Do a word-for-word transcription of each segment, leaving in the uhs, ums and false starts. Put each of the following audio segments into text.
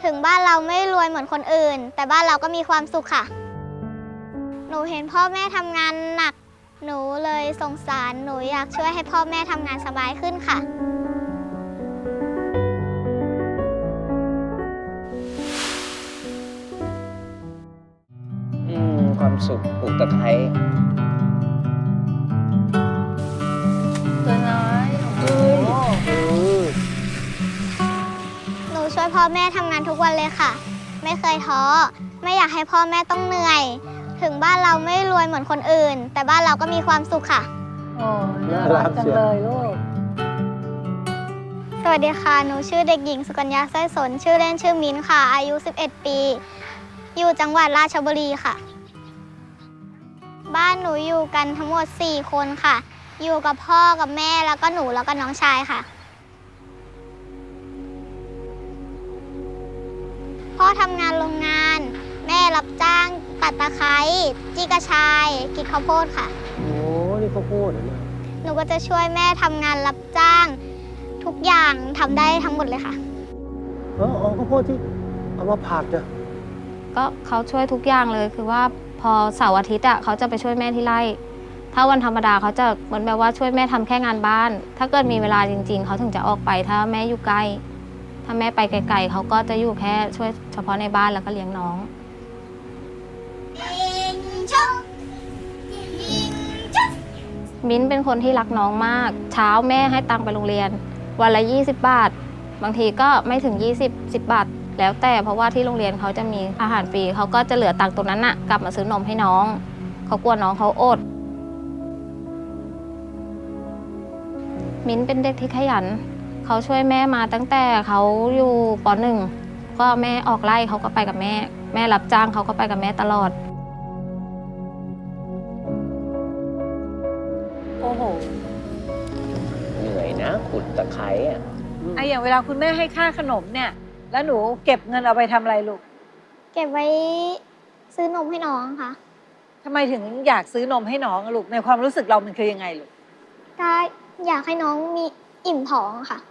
ถึงบ้านเราไม่รวยเหมือนคนอื่นแต่บ้านเราก็มีความสุขค่ะหนูเห็นพ่อแม่ทำงานหนักหนูเลยสงสารหนูอยากช่วยให้พ่อแม่ทำงานสบายขึ้นค่ะอืมความสุขปลูกตะไคร้ตัวน้อยเอ้ยหนูช่วยพ่อแม่ทำงานทุกวันเลยค่ะไม่เคยท้อไม่อยากให้พ่อแม่ต้องเหนื่อยถึงบ้านเราไม่รวยเหมือนคนอื่นแต่บ้านเราก็มีความสุขค่ะโอ้น่ารักจังเลยลูกสวัสดีค่ะหนูชื่อเด็กหญิงสุกัญญาสร้อยสนชื่อเล่นชื่อมิ้นค่ะอายุสิบเอ็ดปีอยู่จังหวัดราชบุรีค่ะบ้านหนูอยู่กันทั้งหมดสี่คนค่ะอยู่กับพ่อกับแม่แล้วก็หนูแล้วก็น้องชายค่ะพ่อทำงานโรงงานแม่รับจ้างตัดตะไคร้จี้กระชายกินข้าวโพดค่ะโอ้นี่ข้าวโพดเหรอเนี่ยหนูก็จะช่วยแม่ทำงานรับจ้างทุกอย่างทำได้ทั้งหมดเลยค่ะอ๋ออ๋อข้าวโพดที่เอามาผัดเนี่ยก็เขาช่วยทุกอย่างเลยคือว่าพอเสาร์อาทิตย์อ่ะเขาจะไปช่วยแม่ที่ไร่ถ้าวันธรรมดาเขาจะเหมือนแบบว่าช่วยแม่ทำแค่งานบ้านถ้าเกิดมีเวลาจริงๆเขาถึงจะออกไปถ้าแม่อยู่ใกล้ถ้าแม่ไปไกลๆเขาก็จะอยู่แค่ช่วยเฉพาะในบ้านแล้วก็เลี้ยงน้องมิ้นเป็นคนที่รักน้องมากเช้าแม่ให้ตังค์ไปโรงเรียนวันละยี่สิบบาทบางทีก็ไม่ถึงยี่สิบ สิบบาทแล้วแต่เพราะว่าที่โรงเรียนเขาจะมีอาหารฟรีเขาก็จะเหลือตังค์ตรงนั้นน่ะกลับมาซื้อนมให้น้องเขากลัวน้องเขาอดมิ้นเป็นเด็กที่ขยันเขาช่วยแม่มาตั้งแต่เขาอยู่ป.หนึ่ง ก็แม่ออกไร่เขาก็ไปกับแม่แม่รับจ้างเขาก็ไปกับแม่ตลอดโอ้โหเหนื่อยนะขุดตะไคร้อ่ะไอ้อย่างเวลาคุณแม่ให้ค่าขนมเนี่ยแล้วหนูเก็บเงินเอาไปทำอะไรลูกเก็บไว้ซื้อนมให้น้องค่ะทำไมถึงอยากซื้อนมให้น้องอะลูกในความรู้สึกเรามันคือยังไงลูกก็อยากให้น้องมีอิ่มท้องค่ะ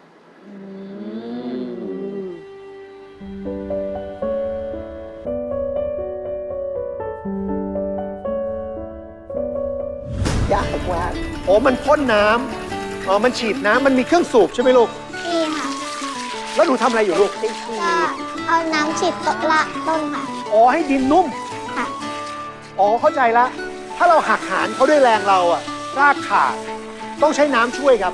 ยากมากโอ้มันพ่นน้ำอ๋อมันฉีดน้ำมันมีเครื่องสูบใช่ไหมลูกนี่ค่ะแล้วหนูทำอะไรอยู่ลูกก็เอาน้ำฉีดต้นละต้นค่ะอ๋อให้ดินนุ่มค่ะอ๋อเข้าใจละถ้าเราหักหานเขาด้วยแรงเราอะรากขาดต้องใช้น้ำช่วยครับ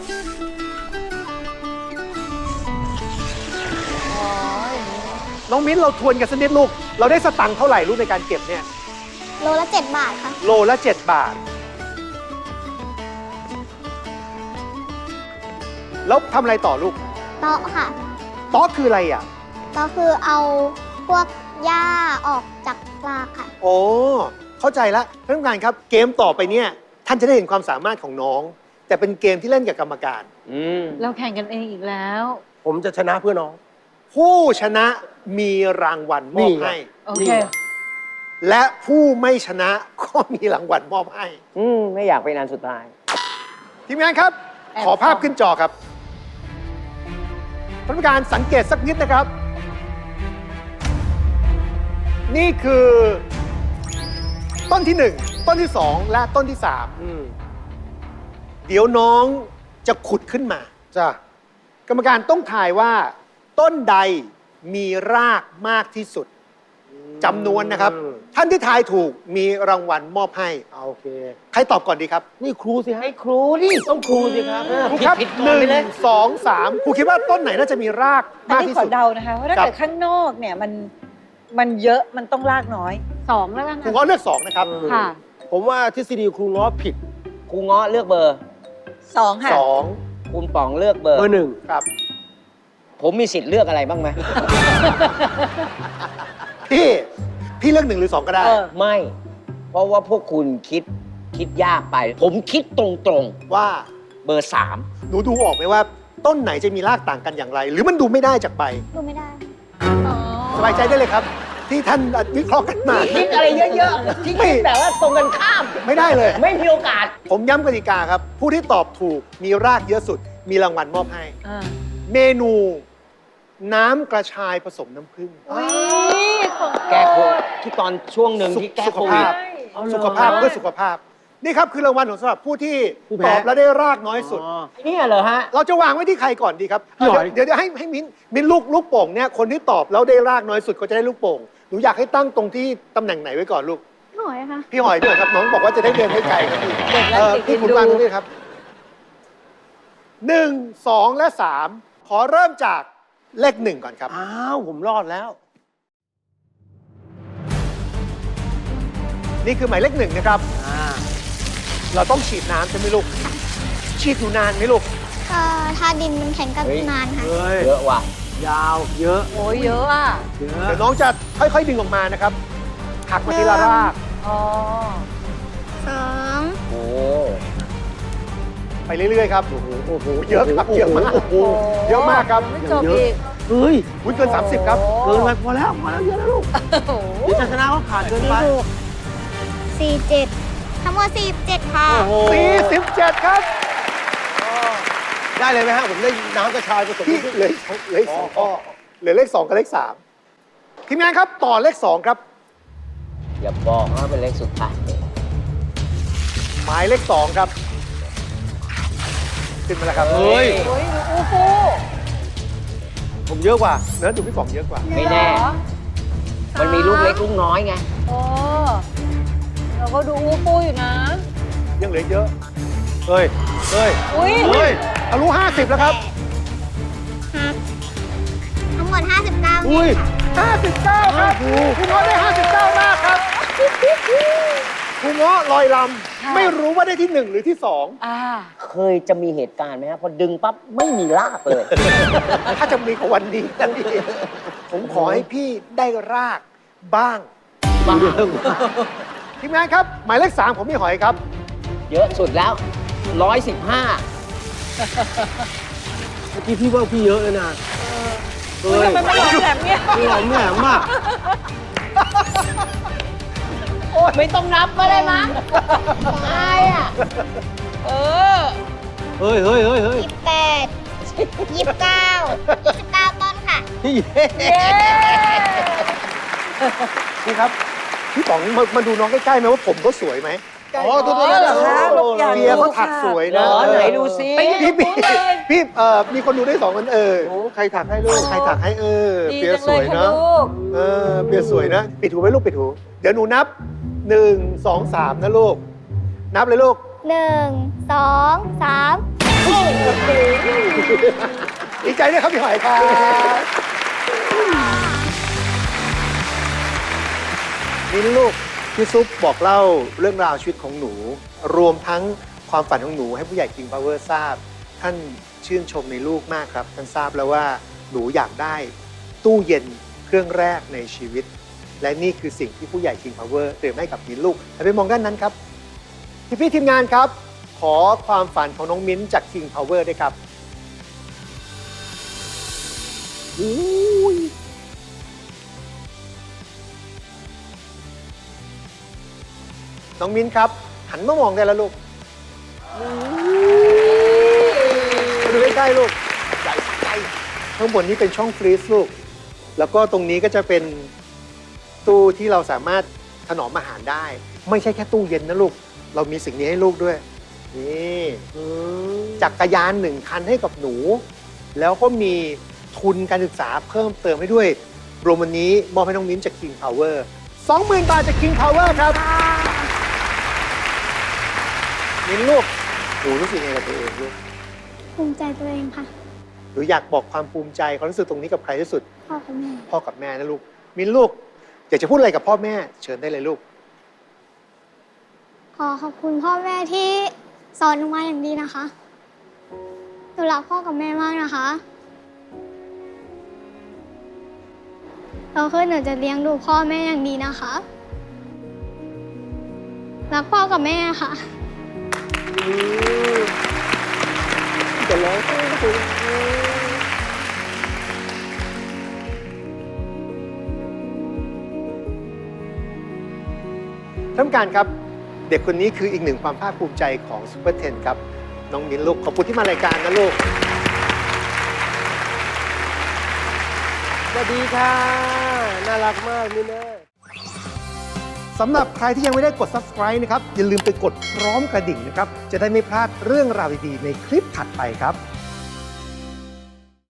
น้องมิ้นเราทวนกันสักนิดลูกเราได้สตังค์เท่าไหร่ลูกในการเก็บเนี่ยโลละเจ็ดบาทค่ะโลละเจ็ดบาทแล้วทำอะไรต่อลูกเตาะค่ะเตาะคืออะไรอ่ะเตาะคือเอาพวกหญ้าออกจากรากค่ะโอ้เข้าใจแล้วท่านผู้การครับเกมต่อไปเนี่ยท่านจะได้เห็นความสามารถของน้องแต่เป็นเกมที่เล่นกับกรรมการเราแข่งกันเองอีกแล้วผมจะชนะเพื่อน้องผู้ชนะมีรางวัลมอบให้โอเคและผู้ไม่ชนะก็มีรางวัลมอบให้อืมไม่อยากไปนานสุดท้ายทีมงานครับขอภาพขึ้นจอครับท่านผู้การสังเกตสักนิดนะครับนี่คือต้นที่หนึ่งต้นที่สองและต้นที่สามเดี๋ยวน้องจะขุดขึ้นมาจ้ะกรรมการต้องทายว่าต้นใดมีรากมากที่สุดจำนวนนะครับท่านที่ทายถูกมีรางวัลมอบให้โอเคใครตอบก่อนดีครับนี่ครูสิฮะให้ครูดิต้องครูสิครับครูครับหนึ่งสองสามครูคิดว่าต้นไหนน่าจะมีรากมากที่สุดขอเดานะคะเพราะถ้าเกิดข้างนอกเนี่ยมันมันเยอะมันต้องรากน้อยสองแล้วกันครูง้อเลือกสองนะครับค่ะผมว่าทฤษฎีครูง้อผิดครูง้อเลือกเบอร์สองค่ะสองคุณป๋องเลือกเบอร์เบอร์หนึ่งครับผมมีสิทธิ์เลือกอะไรบ้างไหมพี่พี่เลือกหนึ่งหรือสองก็ได้ไม่เพราะว่าพวกคุณคิดคิดยากไปผมคิดตรงๆว่าเบอร์สามหนูดูออกไหมว่าต้นไหนจะมีรากต่างกันอย่างไรหรือมันดูไม่ได้จากใบดูไม่ได้สบายใจได้เลยครับที่ท่านวิเคราะห์กันมาคิดอะไรเยอะๆที่คิดแบบว่าตรงกันข้ามไม่ได้เลยไม่มีโอกาสผมย้ำกติกาครับผู้ที่ตอบถูกมีรากเยอะสุดมีรางวัลมอบให้เมนูน้ำกระชายผสมน้ำผึ้งอุ้ยของแก้โควิดที่ตอนช่วงหนึ่งที่แก้สุขโควิดภาพเอาเหรอสุขภาพเพื่อสุขภาพ นี่ครับคือรางวัลของสำหรับผู้ที่ผู้แพ้ตอบและได้รากน้อยสุดเนี่ยเหรอฮะเราจะวางไว้ที่ใครก่อนดีครับพี่หอยเดี๋ยวเดี๋ยวให้ให้มิ้นมิ้นลูกลูกโป่งเนี่ยคนที่ตอบแล้วได้รากน้อยสุดก็จะได้ลูกโป่งหนูอยากให้ตั้งตรงที่ตำแหน่งไหนไว้ก่อนลูกหน่อยค่ะพี่หอยด้วยครับน้องบอกว่าจะได้เดินให้ไกลครับพี่เด็กและเอ่อติดพี่เอ็นคุณดูวางตรงนี้ครับหนึ่งสองและสามขอเริ่มจากเลขหนึ่งก่อนครับอ้าวผมรอดแล้วนี่คือหมายเลขหนึ่งนะครับอ่าเราต้องฉีดน้ำใช่ไหมลูก ฉีดอยู่นานไหมลูกก็ถ้าดินมันแข็งก็เฮ้ยนานค่ะเฮ้ยเยอะว่ะยาวเยอะโอ้ยเยอะอ่ะเยอะเดี๋ยวน้องจะค่อยๆดึงออกมานะครับ หักมาทีละรากอ๋อสองโอ้ไปเรื่อยๆครับโอ้โหโอ้โหเยอะครับเยอะมากโอ้โหเยอะมากครับไม่จบอีกเฮ้ยอุ้ยเกิน สามสิบ ครับเกินไปพอแล้วพอแล้วเยอะแล้วลูกโอ้โหเดี๋ยวจะชนะเขาขาดเกินไปสี่เจ็ดทั้งหมดสี่เจ็ดค่ะโอ้โหสี่สิบเจ็ดครับได้เลยไหมฮะผมได้น้ำกระชายผสมพี่เหลืออีกสองเหลืออีกสองข้อเหลือเลขสองกับเลขสามทีมงานครับต่อเลขสองครับอย่าบอกว่าเป็นเลขสุดท้ายหมายเลขสองครับ ขึ้นมาแล้วครับเฮ้ยโอ้ยดูอู้ฟูผมเยอะกว่าเนื้อดูพี่ป๋องเยอะกว่าไม่แน่ มันมีลูกเล็กลูกน้อยไงโอ้เราก็ดูอู้ฟูอยู่นะยังเหลือเยอะเฮ้ย เฮ้ยอุ้ยเฮ้ยทะลุห้าสิบแล้วครับหักทั้งหมดห้าสิบเก้าอุ้ยห้าสิบเก้าครับคุณง้อได้ห้าสิบเก้ามากครับคุณง้อลอยลำไม่รู้ว่าได้ที่หนึ่งหรือที่สองอ่าเคยจะมีเหตุการณ์ไหมฮะพอดึงปั๊บไม่มีรากเลยถ้าจะมีของวันนี้นะพี่ผมขอให้พี่ได้รากบ้างบ้างทีมงานครับ หมายเลขสามผมมีหอยครับเยอะสุดแล้วร้อยสิบห้าเมื่อกี้พี่ว่าพี่เยอะเลยนะอุ้ยทำไมมันหลอมแหลมเนี่ยพี่หอมแหลมมากไม่ต้องนับก็ได้มั้งตายอ่ะ เออเฮ้ยเฮ้ยเฮ้ยเฮ้ยยี่สิบแปดยี่สิบเก้ายี่สิบเก้าต้นค่ะพี่เย้นี่ครับ พี่ป๋องมามาดูน้องใกล้ๆไหมว่าผมเขาสวยไหมอ๋อตัวอ๋นี้อเหรอคะลูกอยากเบียร์เขาถักสวยเหรนะอไหนดูซิพี่พี่พี่เอ่อมีคนดูได้สองคนเออโอ้ใครถักให้ลูกใครถักให้เออดีเบียจัร์งสเลวย ยค่ะเนาะลูกเออเบียร์สวยนะ ปิดหูไว้ลูกปิดหู เดี๋ยวหนูนับหนึ่งสองสามนะลูก นับเลยลูกหนึ่งสองสามดีใจด้วยครับพี่หอยครับนี่ลูกพี่ซุปบอกเล่าเรื่องราวชีวิตของหนู รวมทั้งความฝันของหนูให้ผู้ใหญ่ King Power ทราบ ท่านชื่นชมในลูกมากครับ ท่านทราบแล้วว่าหนูอยากได้ตู้เย็นเครื่องแรกในชีวิต และนี่คือสิ่งที่ผู้ใหญ่ King Power เตรียมให้กับมิ้นลูกแต่ไปมองด้านนั้นครับ พี่พี่ๆทีมงานครับ ขอความฝันของน้องมิ้นจาก King Power ด้วยครับอุ้ยน้องมิ้นครับ หันมามองได้แล้วลูกมาดูใกล้ๆลูกใหญ่ใกล้ข้างบนนี้เป็นช่องฟรีซลูก แล้วก็ตรงนี้ก็จะเป็นตู้ที่เราสามารถถนอมอาหารได้ ไม่ใช่แค่ตู้เย็นนะลูก เรามีสิ่งนี้ให้ลูกด้วย นี่จักรยานหนึ่งคันให้กับหนู แล้วก็มีทุนการศึกษาเพิ่มเติมให้ด้วย รวมวันนี้มอบให้น้องมิ้นจาก King Power สองหมื่น บาทจาก King Power ครับ มิ้นลูก หนูรู้สึกยังไงกับตัวเองลูกภูมิใจตัวเองค่ะหนูอยากบอกความภูมิใจความรู้สึกตรงนี้กับใครที่สุดพ่อกับแม่พ่อกับแม่นะลูก มิ้นลูก อยากจะพูดอะไรกับพ่อแม่ เชิญได้เลยลูกขอขอบคุณพ่อแม่ที่สอนหนูมาอย่างดีนะคะ หนูรักพ่อกับแม่มากนะคะโตขึ้นหนูจะเลี้ยงดูพ่อแม่อย่างดีนะคะ รักพ่อกับแม่ค่ะจะร้องไห้ท่านผู้การครับ เด็กคนนี้คืออีกหนึ่งความภาคภูมิใจของซูเปอร์เทนครับ น้องมิ้นลูก ขอบคุณที่มารายการนะลูกสวัสดีค่ะ น่ารักมากนี่แม่สำหรับใครที่ยังไม่ได้กด Subscribe นะครับ อย่าลืมไปกดพร้อมกระดิ่งนะครับ จะได้ไม่พลาดเรื่องราวดีๆในคลิปถัดไปครับ